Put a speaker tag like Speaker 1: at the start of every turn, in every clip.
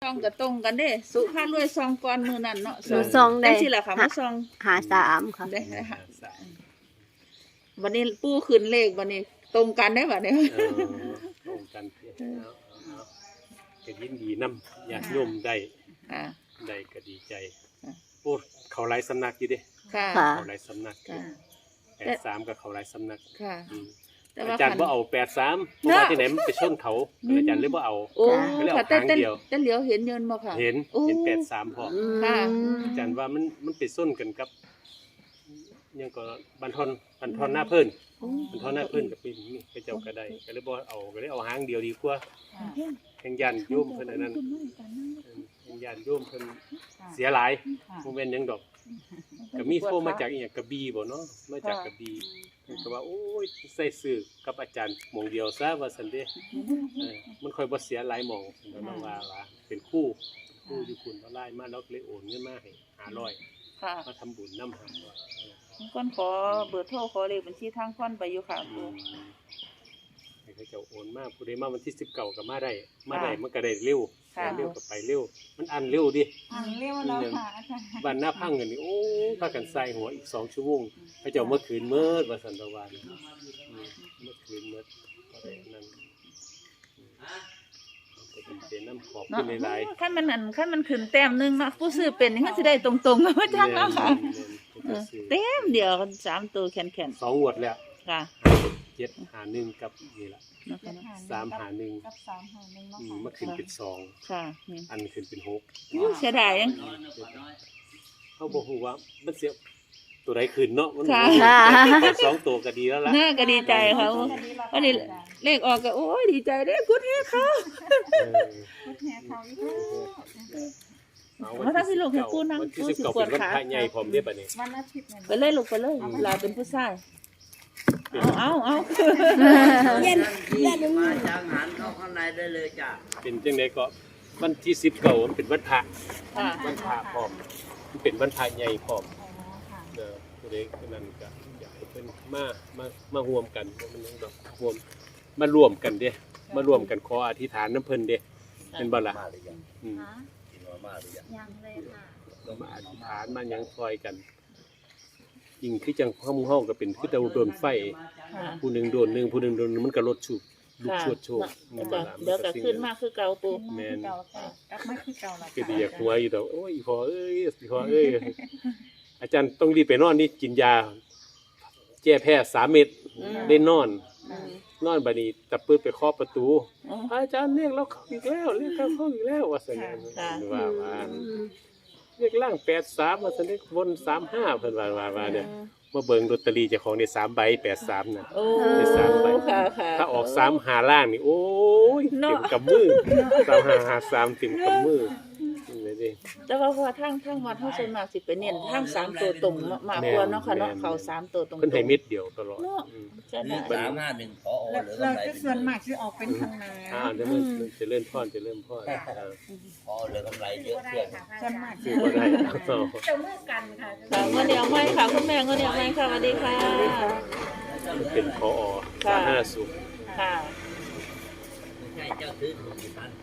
Speaker 1: ซองก็ตรงกันเด้สุภาพรวยซองก่อนมื้อนั้นเนาะ
Speaker 2: ซองได้
Speaker 1: สิล่ะค่ะมาซอง
Speaker 2: 53ค่ะ
Speaker 1: ได้ค่ะวันนี้ปู่ขึ้นเลขวันนี้ตรงกันได้บัดนี้
Speaker 3: ตรงกันก็ยินดีนำญาติโยมได้
Speaker 1: ค่ะ
Speaker 3: ได้ก็ดีใจโอ้เขาหลายสำนักอยู่เด้
Speaker 1: ค่ะ
Speaker 2: ค่ะ
Speaker 3: เขาหลายสำนัก
Speaker 1: ค่ะ
Speaker 3: 83กับเขาหลายสำนัก
Speaker 1: ค่ะ
Speaker 3: อืม
Speaker 1: แต่
Speaker 3: อา
Speaker 1: ว่า
Speaker 3: จารย์บ่เอา83เพราะว่าที่ไหนมันไปชนเขาอาจารย์เลยบ่เอา
Speaker 1: โอ้
Speaker 3: ก็เลยเอา
Speaker 1: ค่ะแต่
Speaker 3: หางเดียว
Speaker 1: แต่เหลียวเห็นยนต์บ่ค่ะ
Speaker 3: เห็น
Speaker 1: โอ้
Speaker 3: 83พอ
Speaker 1: ค่ะ
Speaker 3: อาจารย์ว่ามันไปส้นกันกับยังก็บันทอนหน้าเพิ่นบันทอนหน้าเพิ่นกับเป็นนี่ไปเจ้าก็ได้ก็เลยบ่เอาก็เลยเอาหางเดียวดีกว่าแห่งยันโยมเพิ่นอันนั้นแห่งยันโยมเพิ่นเสียหลายบ่แม่นหยังดอกก็มีโทรมาจากอีหยังกระบี่บ่เนาะมาจากกระบี่เพิ่นก็ว่าโอ้ยใส่ซื้อกับอาจารย์หม่องเดียวซะว่าซั่นเด้มันค่อยบ่เสียหลายหม่องแล้วน้องว่าเป็นคู่อยู่คุณบ่หลายมาแล้วเลยโอนเงินมาให้500
Speaker 1: ค่ะ
Speaker 3: มาทำบุญน้ำหาว่า
Speaker 1: ก่อนขอเบอร์โทรขอเลขบัญชีทางก่อนไปอยู่ค่ะปู่
Speaker 3: ให้เขาเจ้าโอนมาผู้ใดมาวันที่19ก็มาได้มันก็ได้เร็ว
Speaker 1: ค่ะ
Speaker 3: เร็วก็ไปเร็วมันอันเร็วดิ
Speaker 4: เรียกว่าเราค่ะอาจารย์
Speaker 3: บ้านหน้าพังกันนี่โอ้พากันใส่หัวอีก2ชั่วโมงเขาเจ้าเมื่อคืนเมิดว่าสันตะวันเมื่อคืนเมิดก็ได้นั่นก็เป็นน้ำขอบคุณหลาย
Speaker 1: ขั้นมันขึ้นแต้มหนึงเนาะผู้ซื้อเป็นนี่มันสิได้ตรงๆว่าจังเนาะค่ะเต็มเดียวกัน3ตัวแข็ง
Speaker 3: 2งวดแล้ว
Speaker 1: ๆค่ะ
Speaker 3: 751กับนี่ล่ะ
Speaker 1: เนาะค่ะเนาะ
Speaker 3: 351
Speaker 4: กับ351เนาะ
Speaker 3: มันขึ้นเป็น2
Speaker 1: ค่ะนี่
Speaker 3: อันขึ้นเป็น6
Speaker 1: อู้เสียดายจัง
Speaker 3: เขาบอกว่ามันเสียตัวใดขึ้นเนาะมัน
Speaker 1: ค่ะ
Speaker 3: สองตัวก็ดีแล้วล่ะ
Speaker 1: น่าก็ดีใจค่ะวันนี้เลขออกก็โอ้ยดีใจเด้กุดเฮ็ดเขา
Speaker 4: พุทธแห่เขาอยู่
Speaker 1: ว่าถ้าสิลูกให้ปู่นั่ง
Speaker 3: วันที่
Speaker 1: ปู่สิ
Speaker 3: 19
Speaker 1: ปว
Speaker 3: เป็
Speaker 1: ด
Speaker 3: นวัน
Speaker 1: ขา
Speaker 3: พระใหญ่พร้อมเด้อบัดนี้
Speaker 4: วันอาทิตย์เนี่ย
Speaker 1: ไปเลยลูกไปเลยลาเป็นผู้ชายเอา
Speaker 5: เย็นมาจากหันเข้าข้างในได้เลยจ้ะ
Speaker 3: เป็นจังได๋ก็วันที่19มันเป็นวันพระ
Speaker 1: ค่ะ
Speaker 3: วันพระพร้อมมันเป็นวันพระใหญ่พร้อม
Speaker 4: อ๋อค่ะ
Speaker 3: ผู้ใดคนนั้นก็อยากให้เพิ่นมาร่วมกันบ่มันหยังดอกร่วมกันเด้มาร่วมกันขออธิษฐานน้ำเพิ่นเด้เป็นบ่ล่ะ
Speaker 5: มาหรือยัง
Speaker 3: อืม
Speaker 5: กินมาหรือยัง
Speaker 4: ยังเลยค่ะ
Speaker 3: เรามาอธิษฐานมาหยังซอยกันจริงคือจังเฮาก็เป็นคือแต่โดนไฟ
Speaker 1: ค่ะ
Speaker 3: ผู้หนึงโดนหนึงผู้หนึงโดนหนึ่งมันก็ลดชุบลูกชวดโชค
Speaker 1: จ้ะเดี๋ยวก็ขึ้นมาคือเก่าปู่
Speaker 3: แม่น
Speaker 4: เก่าค่ะกลับมาคือเก่าแล้ว
Speaker 3: ก็ดีอยากหัวอยู่ดอกโอ้ยอีพอเอ้ยอีพอเอ้ยอาจารย์ต้องรีบไปนอนนี่กินยาแก้แพ้3 เม็ดได้นอนบัดนี้ตะปื้ดไปเคาะประตูอาจารย์เรียกเราเข้าอีกแล้วเรียกเราเข้าอีกแล้วว่าซั่นว่าเรียกล่าง83ว่าซั่นเรียกบน35เพิ่นว่าเนี่ยมาเบิ่งลอตเตอรี่เจ้าของได้3 ใบ83น่ะ
Speaker 1: โอ้
Speaker 3: ได้3 ใบ
Speaker 1: ค่ะค่ะ
Speaker 3: ถ้าออก3 5ล่างนี่โอ้ยเต็มกับมือ3 5 5 3เต็มกับมือนี่ดิ
Speaker 1: แต่ว่าทางวัดเฮาส่วนมากสิไปเน้นทาง3ตัวตรงมากกว่าเนาะค่ะเนาะเขา3ตัวตรง
Speaker 3: เพิ่นให้เม็ดเดียวตลอด
Speaker 1: เนาะจะได้
Speaker 5: 351พอ
Speaker 4: แล้ว
Speaker 5: หรือ
Speaker 4: เรา
Speaker 5: กำไร
Speaker 4: จะส่วนมากที่ออกเป็นทางนา
Speaker 3: เดี๋ยวมันจะเริ่มพ่อน
Speaker 5: พอหรือกำไรเยอะเชื่อ
Speaker 4: ส่วนมาก
Speaker 3: ซื้อบ่ได้
Speaker 4: จะเมื่อกันค่ะ
Speaker 1: ค่ะเงินเดียวไหมค่ะคุณแม่เงินเดียวไหมค่ะสวัสดีค่ะ
Speaker 3: เป็นพอสาธารณสุข
Speaker 1: ค่ะ
Speaker 5: ใช่เจ้าซื้อถูกกี่พัน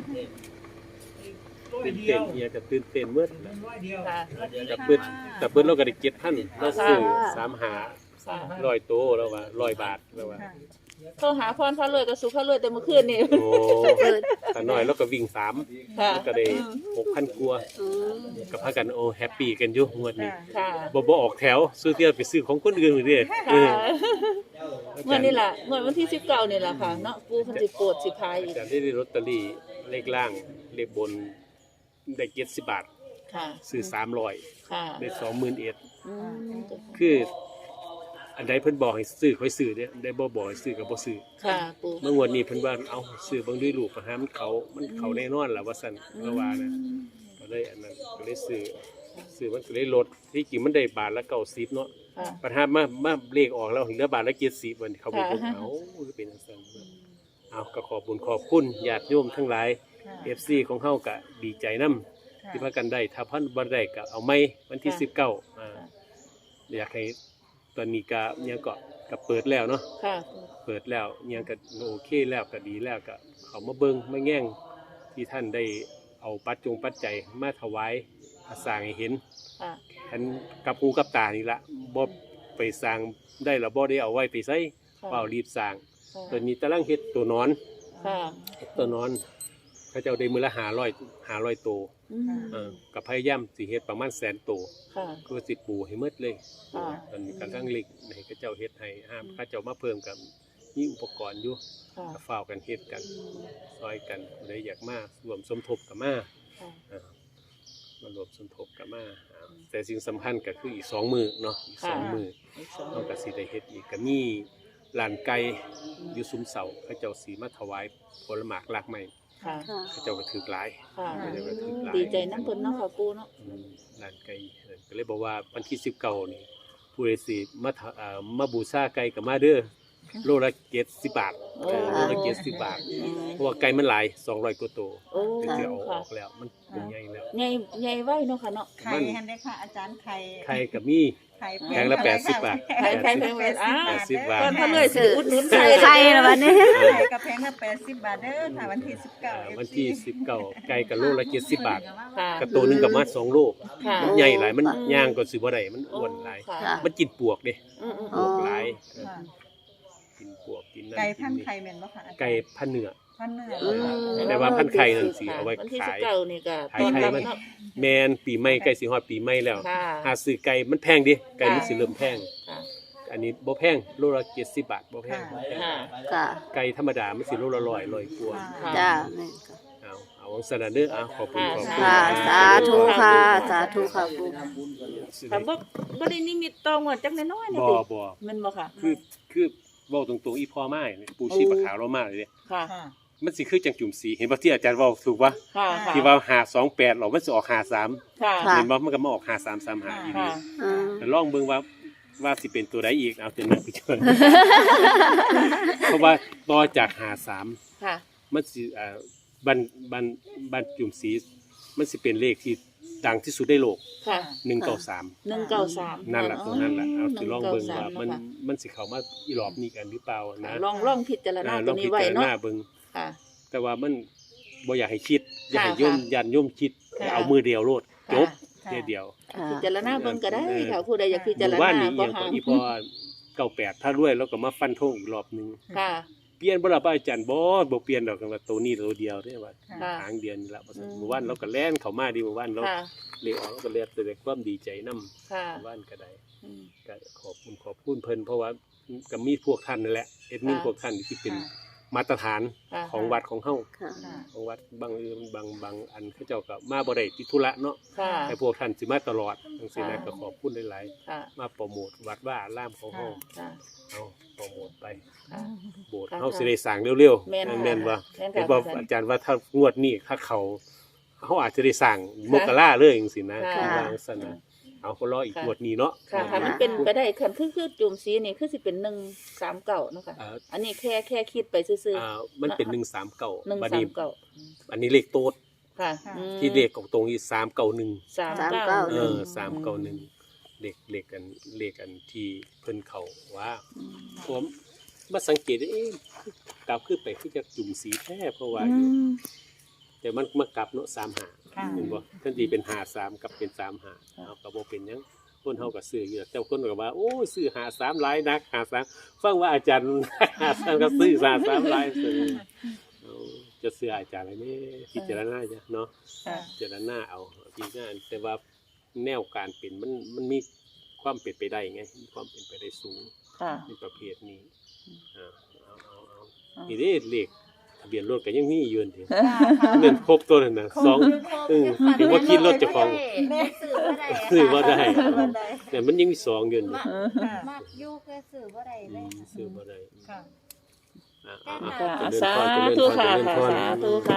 Speaker 3: ตื่นเต้นเฮียก็ตื่นเต้นเมื่อ
Speaker 1: ค่ะ
Speaker 3: แต่เพิ่นเราก็ได้7,000เราซื้อ3
Speaker 1: ค่ะ
Speaker 3: 5 100โตแล้วว่า100 บาทแล้วว่า
Speaker 1: โทรหาพรพระรวยกับสุขพระรวยแต่เมื่อคืนนี่
Speaker 3: โอ้ถ้าน้อยแล้วก็วิ่ง3
Speaker 1: ค่ะ
Speaker 3: แล้วก็ได้ 6,000 กว่าก็พากันโอ้แฮปปี้กันอยู่งวดนี้
Speaker 1: ค่ะ
Speaker 3: บ่ออกแถวซื้อเที่ยวไปซื้อของคนอื่นเด้อ
Speaker 1: ค่ะเมื่อนี่ล่ะเมื่อวันที่19นี่ล่ะค่ะเนาะปู่เพิ่นสิโปรดสิพายอีก
Speaker 3: อาจารย์ได้ลอตเตอรี่เลขล่างเลขบนได้70 บาท
Speaker 1: ค่ะ
Speaker 3: ซื้อ300
Speaker 1: ค่ะ
Speaker 3: ได้21,000
Speaker 1: อืม
Speaker 3: คืออันใดเพิ่นบอกให้ซื้อค่อยซื้อเด้ได้บ่บอกให้ซื้อก็บ่ซื้อ
Speaker 1: ค่ะปู่
Speaker 3: เมื่องวดนี้เพิ่นว่าเอาซื้อเบิ่งด้วยรูปมาหามันเขาแน่นอนล่ะว่าซั่นก็ว่านะก็เลยอันนั้นก็เลยซื้อมันก็เลยลดที่จริงมันได้บาทละ90เนาะ
Speaker 1: ค่ะ
Speaker 3: ปัญหามาเลขออกแล้วเหลือบาทละ70มันเขาบ่บอกเอาคือเป็นจังซั่นเอาก็ขอบคุณญาติโยมทั้งหลาย FC ของเฮาก็ดีใจนํที่พากันได้ถ้าเพิ่นบ่ได้ก็เอาใหม่วันที่19อยากให้ตอนนี้ก็ยังก็เปิดแล้วเนาะ
Speaker 1: ค่ะ
Speaker 3: เปิดแล้วยังก็โอเคแล้วก็ดีแล้วก็เขามาเบิ่งมาแง่งที่ท่านได้เอาปัจจัยมาถวายสร้างให้เห็น
Speaker 1: ค่ะ
Speaker 3: อันกับหูกับตานี่ละบ่ไปสร้างได้แล้วบ่ได้เอาไว้ไปใส่เปล่ารีบสร้างตัวนี้ตะลังเฮ็ดตัวนอน
Speaker 1: ค่ะ
Speaker 3: ตัวนอนเขาเจ้าได้มื้อละ500ตัว กับพยายามสิเฮ็ดประมาณ100,000ตัว
Speaker 1: ค่ะ
Speaker 3: คือสิปูให้หมดเลย
Speaker 1: ค่ะ
Speaker 3: ตอนนี้กำลังเล็กให้เขาเจ้าเฮ็ดให้ห้ามเขาเจ้ามาเพิ่มกับมีอุปกรณ์อยู่
Speaker 1: ค่ะ
Speaker 3: ก็ฝ้าวกันเฮ็ดกันซอยกันผู้ใดอยากมารวมสมทบกับมา
Speaker 1: ค่ะ
Speaker 3: มารวมสมทบกับมาแต่สิ่งสำคัญก็คืออีก2มื้อเนาะอีก2มื้อ
Speaker 1: อีกสอง
Speaker 3: เฮาก็สิได้เฮ็ดอีกก็มีลานไก่อยู่ซุ้มเสาเขาเจ้าสิมาถวายผลหมากรากไม้
Speaker 1: ค่ะ
Speaker 3: เขาเจ้าก็ถือหลาย
Speaker 1: ค่ะ
Speaker 3: เขาเจ้าก็ถือหลาย
Speaker 1: ดีใจน้ำเพิ่นเนาะค่ะปูเนาะ
Speaker 3: ลานไก่ก็เลยบอกว่าวันที่19นี่ผู้ใดสิมาบูชาไก่ก็มาเด้อโลละ70 บาท
Speaker 1: โอ้
Speaker 3: โลละ70 บาทเพราะว่าไก่มันหลาย200กว่าตัว
Speaker 1: โอ้
Speaker 3: เดี๋ยวเอาอ
Speaker 1: ค่ะ
Speaker 3: อกแล้วมันเป็นใหญ่แล้ว
Speaker 1: ใหญ่ใหญ่ไว้เนาะค่ะเนาะ
Speaker 4: ไข่ฮันได้ค่ะอาจารย์ไข่
Speaker 3: ไข่ก็มี
Speaker 4: ไข่
Speaker 3: แพงละ80 บาท
Speaker 1: ไข่แพงอ้า
Speaker 3: 80 บาท
Speaker 1: เพิ่นเพิ่นเลยสิอุดหนุน
Speaker 2: ซื้อไข่แล้ววันนี้
Speaker 4: ไข่กระแพงละ80 บาทเด้อค่ะวันที่19
Speaker 3: วันที่19ไก่ก็โลละ70 บาท
Speaker 1: ค่ะ
Speaker 3: กระตัวหนึงก็มา2โล
Speaker 1: ค่ะ
Speaker 3: มันใหญ่หลายมันย่างก็สิบ่ได้มันอ้วนหลาย
Speaker 1: ค่ะ
Speaker 2: ค่ะ
Speaker 3: มันกินปวกเด้
Speaker 1: อืม
Speaker 3: ปวกหลาย
Speaker 4: ค่ะ
Speaker 3: กินปวกกินนั่น
Speaker 4: ไก่
Speaker 3: กิ
Speaker 4: พั
Speaker 3: น
Speaker 4: น
Speaker 3: นี่
Speaker 4: ไข่แม่นบ่ค่ะอาจารย์
Speaker 3: ไก่พันเนื้อ
Speaker 4: พันเนื้อ
Speaker 2: อืม
Speaker 3: แต่ว่าพันไข่นั่นสิเอาไว้
Speaker 1: วันที่
Speaker 3: ขาย
Speaker 1: 19นี่ก็
Speaker 3: ขาย
Speaker 1: ต้อน
Speaker 3: ไข่
Speaker 1: รับ
Speaker 3: มัน
Speaker 1: เนาะ
Speaker 3: แมนปีใหม่ใกล้สิฮอดปีใหม่แล้ว
Speaker 1: ค่ะ
Speaker 3: หาซื้อไก่มันแพงดิไก่มันสิเริ่มแพง
Speaker 1: ค่ะ
Speaker 3: อันนี้บ่แพงโลละ70 บาทบ่แพง
Speaker 1: ค่ะ
Speaker 2: ค่ะ
Speaker 3: ไก่ธรรมดามันสิโลละ100กว่า
Speaker 1: ค่ะ
Speaker 2: จ้า
Speaker 3: เอาของสนันเด้อเอาขอบคุณขอบคุณ
Speaker 2: ค่ะ สาธุค่ะ สาธุค่ะปู
Speaker 1: ค่ะบ่ได้นิมิตตองว่าจักน้อยๆนี่
Speaker 3: บ่
Speaker 1: ติ
Speaker 3: บ่
Speaker 1: แม่นบ่ค่ะ
Speaker 3: คือเว้าตรงๆอีพ่อมาเนี่ยปูชีพขาวเรามาเลยเด้
Speaker 1: ค่ะ
Speaker 4: ค่ะ
Speaker 3: มันสิคือจังจุ่มสีเห็นบ่ที่อาจารย์เว้าถูกปะ
Speaker 1: ค่ะค่ะ
Speaker 3: ที่ว่า528หรอมันสิออก53
Speaker 1: ค่ะ
Speaker 2: ค่ะ
Speaker 3: เห็นบ่มันก็มาออก5335อีก
Speaker 1: ค่ะ
Speaker 2: อืม
Speaker 3: แต่ลองเบิ่งว่าสิเป็นตัวใดอีกเอาตัวนั้นไปจน เพราะว่าต่อจาก53
Speaker 1: ค่ะ
Speaker 3: มันสิบันจุ่มสีมันสิเป็นเลขที่ดังที่สุดในโลก
Speaker 1: ค่ะ
Speaker 3: 193
Speaker 1: 193
Speaker 3: นั่นแหละตัวนั้นแหละเอาสิลองเบิ่งว่ามัน
Speaker 1: 193
Speaker 3: มันสิเข้ามาอีรอบนี้กันหรือเปล่านะ
Speaker 1: ลองพิจารณา
Speaker 3: ล
Speaker 1: ตั
Speaker 3: อ
Speaker 1: ว
Speaker 3: ง
Speaker 1: นี้
Speaker 3: พิ
Speaker 1: ไว้
Speaker 3: จาร
Speaker 1: เนาะ
Speaker 3: ณาเบิ่ง
Speaker 1: ค่ะ
Speaker 3: แต่ว่ามันบ่อยากให้คิด อยากให้
Speaker 1: ค่ะ
Speaker 3: โยมยันโยมคิด
Speaker 1: ค่ะ
Speaker 3: เอามือเดียวโลดจบ
Speaker 4: ค่ะ
Speaker 3: เทียเดียว
Speaker 2: ค่ะ
Speaker 1: พิจารณาเบิ่งก็ได้ค่ะผู้ใดอยากพิ
Speaker 3: ห
Speaker 1: จาร
Speaker 3: มู่
Speaker 1: ณา
Speaker 3: บ้านนี้
Speaker 1: ก็
Speaker 3: ยัง
Speaker 1: หา
Speaker 3: ก็อีพอ98ถ้ารวยแล้วก็มาฟันธงอีกรอบหนึง
Speaker 1: ค่ะ
Speaker 3: เปลี่ยนบ่ล่ะป้าอาจารย์บ่เปลี่ยนดอกกันว่าตัวนี้ตัวเดียวเด้ว่า
Speaker 1: ค่ะ
Speaker 3: ทางเดียวนี่ล่ะว่าซั่น
Speaker 1: อืม
Speaker 3: หมู่บ้านเราก็แล่นเข้ามาดีหมู่บ้านเรา
Speaker 1: ค่ะ
Speaker 3: เรียกออกเราก็แล่นแสดงความดีใจนำ
Speaker 1: ค่ะ
Speaker 3: หมู่บ้านก็ได้
Speaker 1: อืม
Speaker 3: ก็ขอบคุณเพิ่นเพราะว่าก็มีพวกท่านนั่นแหละเอ็ดมิน
Speaker 1: ค่ะ
Speaker 3: พวกท่านที่เป็น
Speaker 4: ค่ะ
Speaker 3: มาตรฐาน
Speaker 1: ค่ะ
Speaker 3: ของวัดของเฮา
Speaker 2: ค่ะ
Speaker 4: ค่ะ
Speaker 3: ของวัดบางอันเขาเจ้าก็มาบ่ได้ติดธุระเนาะ
Speaker 1: ค่ะ
Speaker 3: แต่พวกท่านสิมาตลอดจังซี่นะ
Speaker 1: ค่ะ
Speaker 3: ก็ขอบคุณหลาย
Speaker 1: ค่ะ
Speaker 3: ๆมาโปรโมทวัดว่าอารามของเฮา
Speaker 1: ค่ะ
Speaker 3: เอาโปรโมทไป
Speaker 1: ค่ะ
Speaker 3: โบสถ์
Speaker 1: ค่ะ
Speaker 3: เฮาสิได้สร้างเร็ว
Speaker 1: แม่นค่ะ
Speaker 3: แม่นบ่
Speaker 1: แม่นค่ะ
Speaker 3: เห็นบ่
Speaker 1: อาจารย์
Speaker 3: อาจารย์ว่าถ้างวดนี้ถ้าเขาอาจจะได้สร้างมกราเลยจังซี่นะ
Speaker 1: ค่ะ
Speaker 3: วางซั่นนะเอาก็รออีก
Speaker 1: ค่ะ
Speaker 3: งวดนี้เนาะ
Speaker 1: ค่ะถ้ามันเป็นไปได้คันคือจุ่มสีนี่คือสิเป็น139เนาะค่ะ
Speaker 3: อ่า
Speaker 1: อันนี้แค่คิดไปซื่อ
Speaker 3: มันเป็น139
Speaker 1: ๆ
Speaker 3: บัดนี้
Speaker 1: 139
Speaker 3: อันนี้เลขโต๊ด
Speaker 1: ค่ะ
Speaker 4: ค่ะ
Speaker 1: อืม
Speaker 3: ที่เลขของตรงนี้391
Speaker 1: 391
Speaker 3: เลขกันที่เพิ่นเขาว่า
Speaker 1: อืม
Speaker 3: ผมมาสังเกตกลับขึ้นไปคือจะจุ่มสีแท้เพราะว่า
Speaker 1: อืม
Speaker 3: แต่มันมากลับเนาะ35
Speaker 4: ค่ะ
Speaker 3: เห็นบ่ทันทีเป็น53กับเป็น35เอาก็บ่เป็นหยังคนเฮาก็ซื้ออยู่แต่คนก็ว่าโอ้ยซื้อ53หลายนัก53ฟังว่าอาจารย์ 53ก็ซื้อ53หลายซื้อเอาจะซื้ออาจารย์อะไรนี่พิจารณาจ้ะเนาะ
Speaker 4: ค่ะ
Speaker 3: พิจารณาเอาพิจารณาแต่ว่าแนวการเป็นมันมีความเป็นไปได้ไงมีความเป็นไปได้สูง
Speaker 1: ค่ะ
Speaker 3: ในประเภทนี้เอานี่เด้เลขทะเบียนรถก็ยังมีอยู่นี่เงินครบตัวนั่นน่ะ2ถึงว่าคิดรถเจ้าของ ซื้อบ่ได้แต่มันยังมี2อยู่นี่
Speaker 4: ค่ะ
Speaker 6: มักอยู่ก็ซื้อบ่ได้เลย
Speaker 3: ซื้อบ่ได้
Speaker 4: ค่ะ
Speaker 1: ค่ะ
Speaker 3: เจริญ
Speaker 1: สา
Speaker 3: พรเจริญ
Speaker 1: ธุ
Speaker 3: พร
Speaker 1: ค่ะ
Speaker 3: เจริญพร
Speaker 1: สาธุค่ะ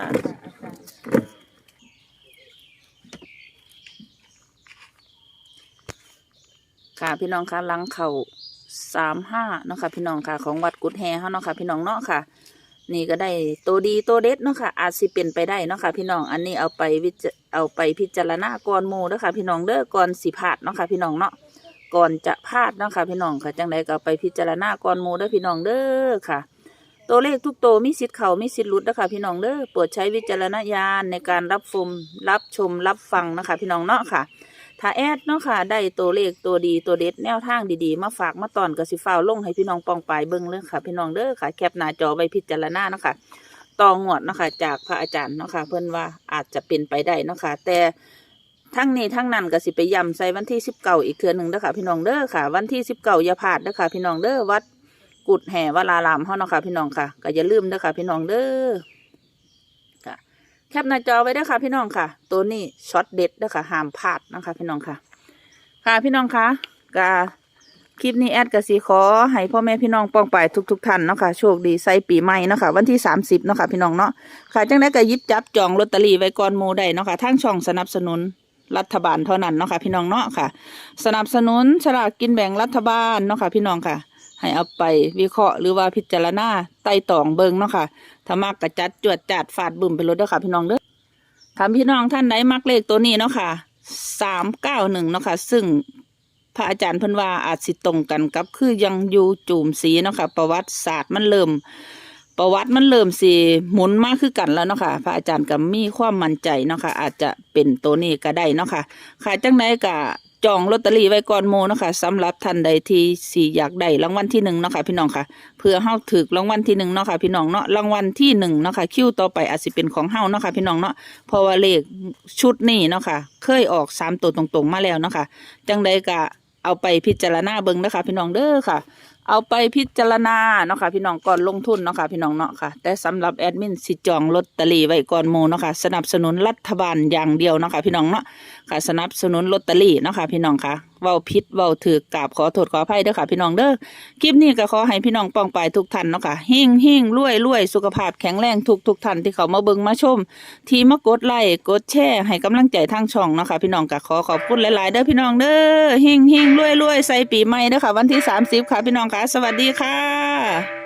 Speaker 1: ค่ะพี่น้องค่ะหลังเข่า35เนาะค่ะพี่น้องค่ะของวัดกุดแฮเฮาเนาะค่ะพี่น้องเนาะค่ะ นี่ก็ได้ตัวดีตัวเด็ดเนาะค่ะอาจสิเป็นไปได้เนาะค่ะพี่น้องอันนี้เอาไปพิจารณาก่อนหมู่เด้อค่ะพี่น้องเด้อก่อนสิพลาดเนาะค่ะพี่น้องเนาะก่อนจะพลาดเนาะค่ะพี่น้องค่ะจังไดก็เอาไปพิจารณาก่อนหมู่เด้อพี่น้องเด้อค่ะตัวเลขทุกตัวมีสิทธิ์เข้ามีสิทธิ์หลุดนะคะพี่น้องเด้อโปรดใช้วิจารณญาณในการรับชมรับฟังนะคะพี่น้องเนาะค่ะถ้าแอดเนาะค่ะได้ตัวเลขตัวดีตัวเด็ดแนวทางดีๆมาฝากมาตอนก็สิฟ้าวลงให้พี่น้องปองปายเบิ่งเลยค่ะพี่น้องเด้อค่ะแคปหน้าจอไว้พิจารณาเนาะค่ะต่องวดเนาะค่ะจากพระอาจารย์เนาะค่ะเพิ่นว่าอาจจะเป็นไปได้เนาะค่ะแต่ทั้งนี้ทั้งนั้นก็สิไปย้ำใส่วันที่19อีกเทื่อหนึงเด้อค่ะพี่น้องเด้อค่ะวันที่19อย่าพลาดเด้อค่ะพี่น้องเด้อวัดกุดแห่วรารามเฮาเนาะค่ะพี่น้องค่ะก็อย่าลืมเด้อค่ะพี่น้องเด้อค่ะแคปหน้าจอไว้เด้อค่ะพี่น้องค่ะตัวนี้ช็อตเด็ดเด้อค่ะห้ามพลาดนะคะพี่น้องค่ะค่ะพี่น้องค่ะก็คลิปนี้แอดก็สิขอให้พ่อแม่พี่น้องปองปายทุกท่านเนาะค่ะโชคดีใส่ปีใหม่เนาะค่ะวันที่30เนาะค่ะพี่น้องเนาะค่ะจังได๋ก็หยิบจับจองลอตเตอรี่ไว้ก่อนหมู่ได้เนาะค่ะทางช่องสนับสนุนรัฐบาลเท่านั้นเนาะค่ะพี่น้องเนาะค่ะสนับสนุนฉลากกินแบ่งรัฐบาลเนาะค่ะพี่น้องค่ะให้เอาไปวิเคราะห์หรือว่าพิจารณาไต่ตองเบิ่งเนาะค่ะถ้ามักก็จัดจวดจัดฟาดบึ้มไปเลยเด้อค่ะพี่น้องเด้อถ้าพี่น้องท่านใดมักเลขตัวนี้เนาะค่ะ391เนาะค่ะซึ่งพระอาจารย์เพิ่นว่าอาจสิตรงกันกับคือยังอยู่จูมสีเนาะค่ะประวัติศาสตร์มันเริ่มสิหมุนมากคือกันแล้วเนาะค่ะพระอาจารย์ก็มีความมั่นใจเนาะค่ะอาจจะเป็นตัวนี้ก็ได้เนาะค่ะค่ะจังไดก็จองลอตเตอรี่ไว้ก่อนหมู่เนาะค่ะสำหรับท่านใดที่สิอยากได้รางวัลที่1เนาะค่ะพี่น้องค่ะเพื่อเฮาถูกรางวัลที่1เนาะค่ะพี่น้องเนาะรางวัลที่1เนาะค่ะคิวต่อไปอาจสิเป็นของเฮาเนาะค่ะพี่น้องเนาะเพราะว่าเลขชุดนี้เนาะค่ะเคยออก3ตัวตรงๆมาแล้วเนาะค่ะจังไดก็เอาไปพิจารณาเบิ่งนะคะพี่น้องเด้อค่ะเอาไปพิจารณาเนาะค่ะพี่น้องก่อนลงทุนเนาะค่ะพี่น้องเนาะค่ะแต่สำหรับแอดมินสิจองลอตเตอรี่ไว้ก่อนหมู่เนาะค่ะสนับสนุนรัฐบาลอย่างเดียวเนาะค่ะพี่น้องเนาะค่ะสนับสนุนลอตเตอรี่เนาะค่ะพี่น้องค่ะเว้าผิดเว้าถูกกราบขอโทษขออภัยเด้อค่ะพี่น้องเด้อคลิปนี้ก็ขอให้พี่น้องป้องปายทุกท่านเนาะค่ะเฮงๆรวยๆสุขภาพแข็งแรงทุกท่านที่เขามาเบิ่งมาชมที่มากดไลค์กดแชร์ให้กำลังใจทางช่องเนาะค่ะพี่น้องก็ขอขอบคุณหลายๆเด้อพี่น้องเด้อเฮงๆรวยๆใส่ปีใหม่เด้อค่ะวันที่30ค่ะพี่น้องค่ะสวัสดีค่ะ